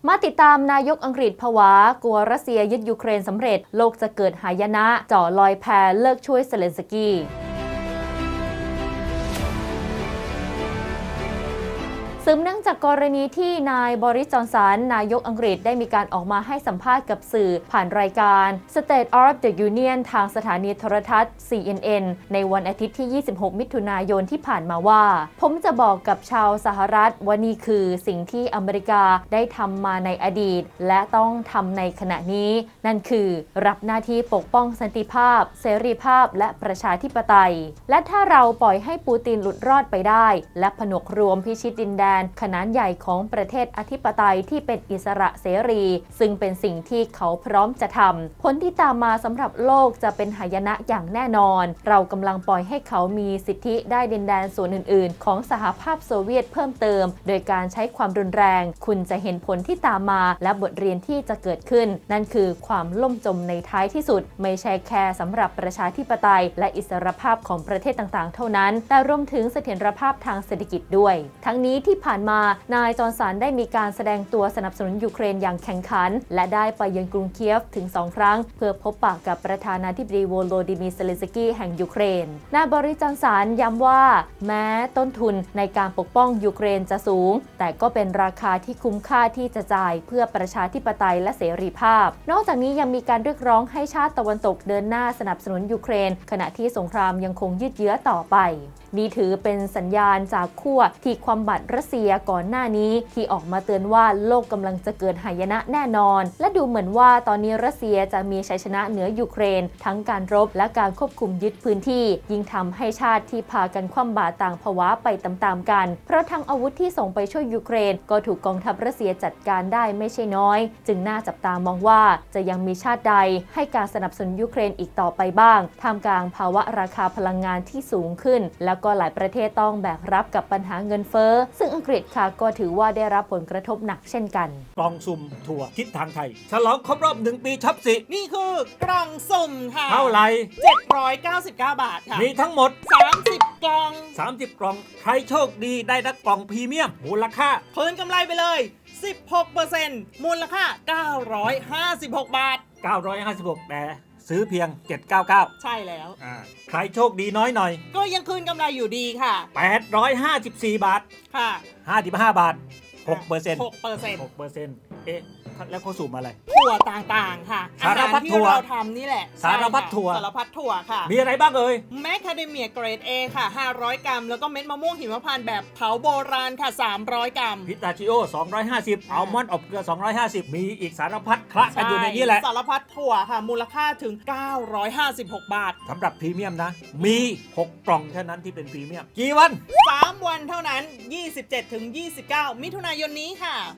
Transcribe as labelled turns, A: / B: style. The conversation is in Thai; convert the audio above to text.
A: มาติดตามนายกอังกฤษผวากลัวรัสเซียยึดยูเครนสำเร็จโลกจะเกิดหายนะจ่อลอยแพเลิกช่วยเซเลนสกี้สืบเนื่องจากกรณีที่นายบริส จอนสันนายกอังกฤษได้มีการออกมาให้สัมภาษณ์กับสื่อผ่านรายการ State of the Union ทางสถานีโทรทัศน์ CNN ในวันอาทิตย์ที่ 26 มิถุนายนที่ผ่านมาว่าผมจะบอกกับชาวสหรัฐว่านี่คือสิ่งที่อเมริกาได้ทำมาในอดีตและต้องทำในขณะนี้นั่นคือรับหน้าที่ปกป้องสันติภาพเสรีภาพและประชาธิปไตยและถ้าเราปล่อยให้ปูตินหลุดรอดไปได้และผนวกรวมพิชิตดินแดนขนาดใหญ่ของประเทศอธิปไตยที่เป็นอิสระเสรีซึ่งเป็นสิ่งที่เขาพร้อมจะทำผลที่ตามมาสำหรับโลกจะเป็นหายนะอย่างแน่นอนเรากำลังปล่อยให้เขามีสิทธิได้ดินแดนส่วนอื่นๆของสหภาพโซเวียตเพิ่มเติมโดยการใช้ความรุนแรงคุณจะเห็นผลที่ตามมาและบทเรียนที่จะเกิดขึ้นนั่นคือความล่มจมในท้ายที่สุดไม่ใช่แค่สำหรับประชาธิปไตยและอิสรภาพของประเทศต่างๆเท่านั้นแต่รวมถึงเสถียรภาพทางเศรษฐกิจด้วยทั้งนี้ที่ผ่านมานายจอห์นสันได้มีการแสดงตัวสนับสนุนยูเครนอย่างแข่งขันและได้ไปเยือนกรุงเคียฟถึง2 ครั้งเพื่อพบปะกับประธานาธิบดีโวโลดิมีร์ เซเลนสกี้แห่งยูเครนนายบริส จอนสันย้ำว่าแม้ต้นทุนในการปกป้องยูเครนจะสูงแต่ก็เป็นราคาที่คุ้มค่าที่จะจ่ายเพื่อประชาธิปไตยและเสรีภาพนอกจากนี้ยังมีการเรียกร้องให้ชาติตะวันตกเดินหน้าสนับสนุนยูเครนขณะที่สงครามยังคงยืดเยื้อต่อไปนี่ถือเป็นสัญญาณจากขั้วที่ความบัดรัสเซียก่อนหน้านี้ที่ออกมาเตือนว่าโลกกำลังจะเกิดหายนะแน่นอนและดูเหมือนว่าตอนนี้รัสเซียจะมีชัยชนะเหนือยูเครนทั้งการรบและการควบคุมยึดพื้นที่ยิ่งทำให้ชาติที่พากันคว่ำบาตรต่างภาวะไปตามๆกันเพราะทั้งอาวุธที่ส่งไปช่วยยูเครนก็ถูกกองทัพรัสเซียจัดการได้ไม่ใช่น้อยจึงน่าจับตามองว่าจะยังมีชาติใดให้การสนับสนุนยูเครนอีกต่อไปบ้างท่ามกลางภาวะราคาพลังงานที่สูงขึ้นแล้วก็หลายประเทศต้องแบกรับกับปัญหาเงินเฟ้อซึ่งอังกฤษค่ะก็ถือว่าได้รับผลกระทบหนักเช่นกัน
B: กล่องสุ่มถั่วทิศทางไทยฉลองครบรอบ1 ปีช็อปสิ
C: นี่คือกล่องสุ่มค่ะ
B: เท่าไหร่
C: 799 บาทค่ะ
B: มีทั้งหมด
C: 30 กล่อง
B: 30 กล่องใครโชคดีได้รับกล่องพรีเมียมมูลค่า
C: คืนกำไรไปเลย 16% มูลค่า956 บาท
B: 956แต่ซื้อเพียง799
C: ใช่แล้ว
B: ใครโชคดีน้อยหน่อย
C: ก็ยังคืนกำไรอยู่ดีค่ะ
B: 854 บาท
C: ค่ะ
B: 55 บาท6%
C: 6%
B: เอ๊ะแล้วเขาสุ่มอะไร
C: ถั่วต่างๆค่ะ
B: สารพัดถั่ว
C: ที่เราทำนี่แหละ
B: สารพัดถั่ว
C: ค่ะ
B: มีอะไรบ้าง
C: แมคคาเดเมียเกรด A ค่ะ500 กรัมแล้วก็เม็ดมะม่วงหิมพานต์แบบเผาโบราณค่ะ300 กรัม
B: พิสตาชิโอ250อัลมอนด์อบเกลือ250มีอีกสารพัดคละกันอยู่ในนี้แหละ
C: สารพัดถั่วค่ะมูลค่าถึง956 บาท
B: สำหรับพรีเมียมนะมี6 กล่องเท่านั้นที่เป็นพรีเมียมกี่วัน
C: 3 วันเท่านั้น 27-29 มิถุนายนนี้ค่ะ